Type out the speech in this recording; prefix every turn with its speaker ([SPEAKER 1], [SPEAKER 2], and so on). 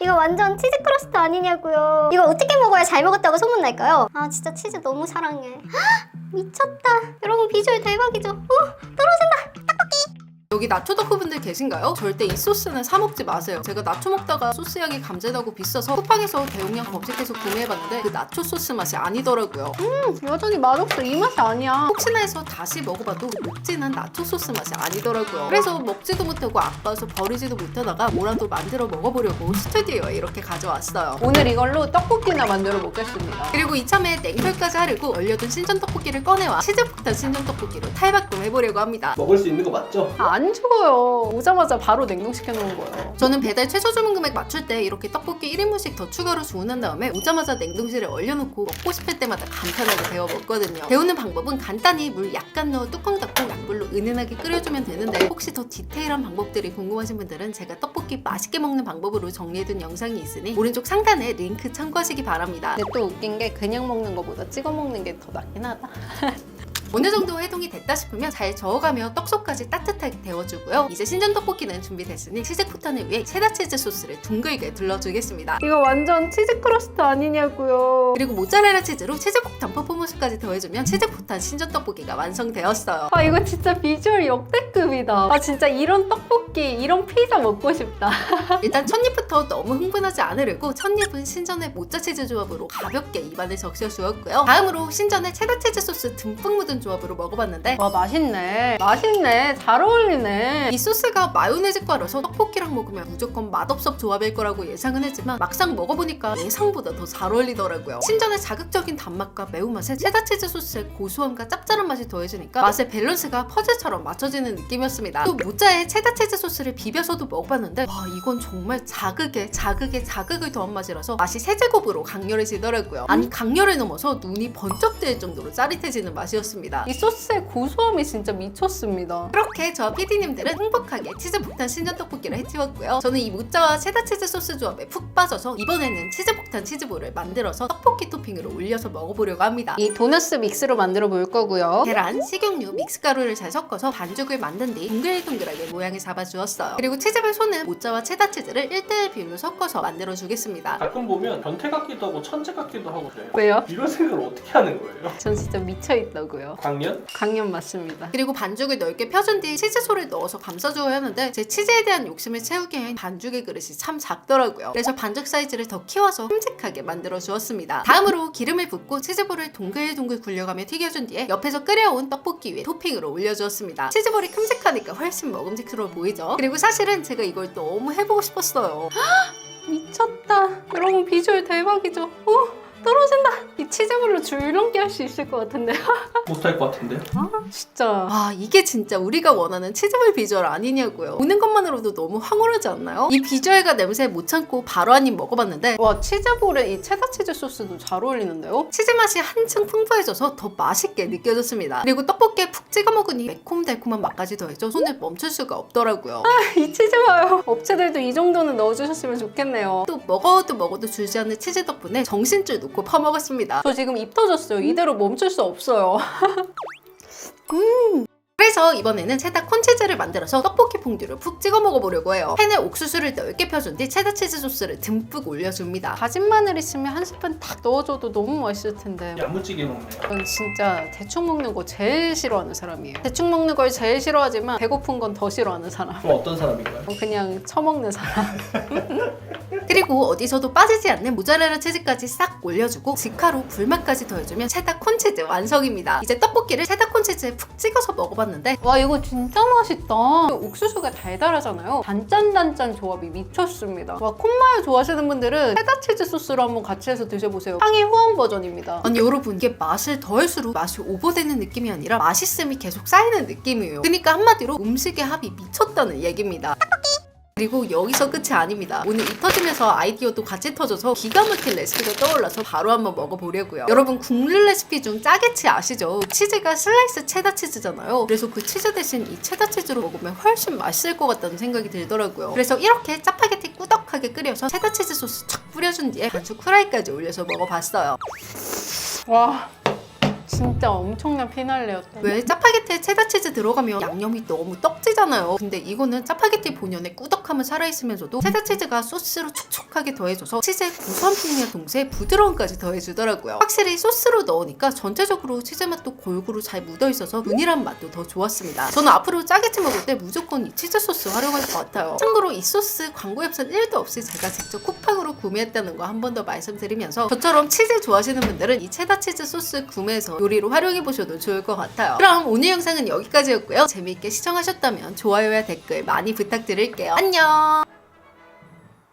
[SPEAKER 1] 이거 완전 치즈 크러스트 아니냐고요. 이거 어떻게 먹어야 잘 먹었다고 소문날까요? 아 진짜 치즈 너무 사랑해. 헉, 미쳤다. 여러분 비주얼 대박이죠? 떨어진다.
[SPEAKER 2] 여기 나초 덕후분들 계신가요? 절대 이 소스는 사 먹지 마세요. 제가 나초 먹다가 소스 양이 감질나고 비싸서 쿠팡에서 대용량 검색해서 구매해봤는데 그 나초 소스 맛이 아니더라고요.
[SPEAKER 3] 여전히 맛없어. 이 맛이 아니야.
[SPEAKER 2] 혹시나 해서 다시 먹어봐도 녹진한 나초 소스 맛이 아니더라고요. 그래서 먹지도 못하고 아까워서 버리지도 못하다가 뭐라도 만들어 먹어보려고 스튜디오에 이렇게 가져왔어요.
[SPEAKER 3] 오늘 이걸로 떡볶이나 만들어 먹겠습니다.
[SPEAKER 2] 그리고 이참에 냉철까지 하려고 얼려둔 신전 떡볶이를 꺼내와 치즈 폭탄 신전 떡볶이로 탈바꿈 해보려고 합니다.
[SPEAKER 4] 먹을 수 있는 거 맞죠?
[SPEAKER 3] 안 죽어요. 오자마자 바로 냉동시켜 놓은 거예요.
[SPEAKER 2] 저는 배달 최소 주문 금액 맞출 때 이렇게 떡볶이 1인분씩 더 추가로 주문한 다음에 오자마자 냉동실에 얼려놓고 먹고 싶을 때마다 간편하게 데워 먹거든요. 데우는 방법은 간단히 물 약간 넣어 뚜껑 닫고 약불로 은은하게 끓여주면 되는데 혹시 더 디테일한 방법들이 궁금하신 분들은 제가 떡볶이 맛있게 먹는 방법으로 정리해둔 영상이 있으니 오른쪽 상단에 링크 참고하시기 바랍니다.
[SPEAKER 3] 근데 또 웃긴 게 그냥 먹는 거보다 찍어 먹는 게 더 낫긴 하다.
[SPEAKER 2] 어느 정도 해동이 됐다 싶으면 잘 저어가며 떡속까지 따뜻하게 데워주고요. 이제 신전 떡볶이는 준비됐으니 치즈 포탄을 위해 체다 치즈 소스를 둥글게 둘러주겠습니다.
[SPEAKER 3] 이거 완전 치즈 크러스트 아니냐고요.
[SPEAKER 2] 그리고 모짜렐라 치즈로 치즈 폭탄 퍼포먼스까지 더해주면 치즈 포탄 신전 떡볶이가 완성되었어요.
[SPEAKER 3] 아 이거 진짜 비주얼 역대급이다. 아 진짜 이런 떡볶이, 이런 피자 먹고 싶다.
[SPEAKER 2] 일단 첫입부터 너무 흥분하지 않으려고 첫입은 신전의 모짜 치즈 조합으로 가볍게 입안에 적셔주었고요. 다음으로 신전의 체다 치즈 소스 듬뿍 묻은 조합으로 먹어봤는데
[SPEAKER 3] 와 맛있네. 맛있네. 잘 어울리네.
[SPEAKER 2] 이 소스가 마요네즈과라서 떡볶이랑 먹으면 무조건 맛없어 조합일 거라고 예상은 했지만 막상 먹어보니까 예상보다 더 잘 어울리더라고요. 신전의 자극적인 단맛과 매운맛에 체다치즈 소스의 고소함과 짭짤한 맛이 더해지니까 맛의 밸런스가 퍼즐처럼 맞춰지는 느낌이었습니다. 또 모짜에 체다치즈 소스를 비벼서도 먹어봤는데 와 이건 정말 자극에 자극을 더한 맛이라서 맛이 세 제곱으로 강렬해지더라고요. 아니 강렬을 넘어서 눈이 번쩍 뜨일 정도로 짜릿해지는 맛이었습니다.
[SPEAKER 3] 이 소스의 고소함이 진짜 미쳤습니다.
[SPEAKER 2] 그렇게 저 PD님들은 행복하게 치즈 폭탄 신전 떡볶이를 해치웠고요. 저는 이 모짜와 체다 치즈 소스 조합에 푹 빠져서 이번에는 치즈 폭탄 치즈볼을 만들어서 떡볶이 토핑으로 올려서 먹어보려고 합니다.
[SPEAKER 3] 이 도너스 믹스로 만들어 볼 거고요.
[SPEAKER 2] 계란, 식용유, 믹스가루를 잘 섞어서 반죽을 만든 뒤 동글동글하게 모양을 잡아주었어요. 그리고 치즈볼 손은 모짜와 체다 치즈를 1:1 비율로 섞어서 만들어주겠습니다.
[SPEAKER 4] 가끔 보면 변태 같기도 하고 천재 같기도 하고 그래요.
[SPEAKER 3] 왜요?
[SPEAKER 4] 이런 생각을 어떻게 하는 거예요?
[SPEAKER 3] 전 진짜 미쳐있다고요.
[SPEAKER 4] 강연?
[SPEAKER 3] 강연 맞습니다.
[SPEAKER 2] 그리고 반죽을 넓게 펴준 뒤 치즈솔을 넣어서 감싸줘야 하는데 제 치즈에 대한 욕심을 채우기엔 반죽의 그릇이 참 작더라고요. 그래서 반죽 사이즈를 더 키워서 큼직하게 만들어 주었습니다. 다음으로 기름을 붓고 치즈볼을 동글동글 굴려가며 튀겨준 뒤에 옆에서 끓여온 떡볶이 위에 토핑으로 올려주었습니다. 치즈볼이 큼직하니까 훨씬 먹음직스러워 보이죠? 그리고 사실은 제가 이걸 너무 해보고 싶었어요.
[SPEAKER 3] 미쳤다. 여러분 비주얼 대박이죠? 떨어진다. 이 치즈볼로 줄넘기 할 수 있을 것 같은데.
[SPEAKER 4] 못할 것 같은데요?
[SPEAKER 3] 진짜.
[SPEAKER 2] 아 이게 진짜 우리가 원하는 치즈볼 비주얼 아니냐고요. 보는 것만으로도 너무 황홀하지 않나요? 이 비주얼과 냄새에 못 참고 바로 한 입 먹어봤는데
[SPEAKER 3] 와 치즈볼에 이 체다 치즈 소스도 잘 어울리는데요?
[SPEAKER 2] 치즈 맛이 한층 풍부해져서 더 맛있게 느껴졌습니다. 그리고 떡볶이에 푹 찍어 먹으니 매콤달콤한 맛까지 더해져 손을 멈출 수가 없더라고요.
[SPEAKER 3] 이 치즈 봐요. 업체들도 이 정도는 넣어주셨으면 좋겠네요.
[SPEAKER 2] 또 먹어도 줄지 않는 치즈 덕분에 정신줄 놓고 퍼먹었습니다.
[SPEAKER 3] 저 지금 입 터졌어요. 이대로 멈출 수 없어요.
[SPEAKER 2] 그래서 이번에는 체다 콘치즈를 만들어서 떡볶이 퐁듀를 푹 찍어 먹어보려고 해요. 팬에 옥수수를 넓게 펴준 뒤 체다 치즈 소스를 듬뿍 올려줍니다.
[SPEAKER 3] 다진 마늘 있으면 한 스푼 딱 넣어줘도 너무 맛있을 텐데.
[SPEAKER 4] 야무지게 먹네요.
[SPEAKER 3] 전 진짜 대충 먹는 거 제일 싫어하는 사람이에요. 대충 먹는 걸 제일 싫어하지만 배고픈 건 더 싫어하는 사람.
[SPEAKER 4] 그럼 어떤 사람인가요?
[SPEAKER 3] 그냥 처먹는 사람.
[SPEAKER 2] 그리고 어디서도 빠지지 않는 모짜렐라 치즈까지 싹 올려주고 직화로 불맛까지 더해주면 체다 콘치즈 완성입니다. 이제 떡볶이를 체다 콘치즈에 푹 찍어서 먹어봤는데
[SPEAKER 3] 와 이거 진짜 맛있다. 옥수수가 달달하잖아요. 단짠단짠 조합이 미쳤습니다. 와 콘마요 좋아하시는 분들은 체다 치즈 소스로 한번 같이 해서 드셔보세요. 향이 후원 버전입니다.
[SPEAKER 2] 아니 여러분 이게 맛을 더할수록 맛이 오버되는 느낌이 아니라 맛있음이 계속 쌓이는 느낌이에요. 그러니까 한마디로 음식의 합이 미쳤다는 얘기입니다. 그리고 여기서 끝이 아닙니다. 오늘 이 터지면서 아이디어도 같이 터져서 기가 막힌 레시피가 떠올라서 바로 한번 먹어보려고요. 여러분 국룰 레시피 중 짜게치 아시죠? 치즈가 슬라이스 체다 치즈잖아요. 그래서 그 치즈 대신 이 체다 치즈로 먹으면 훨씬 맛있을 것 같다는 생각이 들더라고요. 그래서 이렇게 짜파게티 꾸덕하게 끓여서 체다 치즈 소스 촥 뿌려준 뒤에 반죽 후라이까지 올려서 먹어봤어요.
[SPEAKER 3] 와 진짜 엄청난 피날레였다.
[SPEAKER 2] 왜 짜파게티에 체다 치즈 들어가면 양념이 너무 떡지잖아요. 근데 이거는 짜파게티 본연의 꾸덕함은 살아있으면서도 체다 치즈가 소스로 촉촉하게 더해줘서 치즈의 구수한 풍미와 동시에 부드러움까지 더해주더라고요. 확실히 소스로 넣으니까 전체적으로 치즈 맛도 골고루 잘 묻어있어서 균일한 맛도 더 좋았습니다. 저는 앞으로 짜게티 먹을 때 무조건 이 치즈 소스 활용할 것 같아요. 참고로 이 소스 광고 협찬 1도 없이 제가 직접 쿠팡으로 구매했다는 거 한 번 더 말씀드리면서 저처럼 치즈 좋아하시는 분들은 이 체다 치즈 소스 구매해서 요리로 활용해보셔도 좋을 것 같아요. 그럼 오늘 영상은 여기까지였고요. 재미있게 시청하셨다면 좋아요와 댓글 많이 부탁드릴게요. 안녕!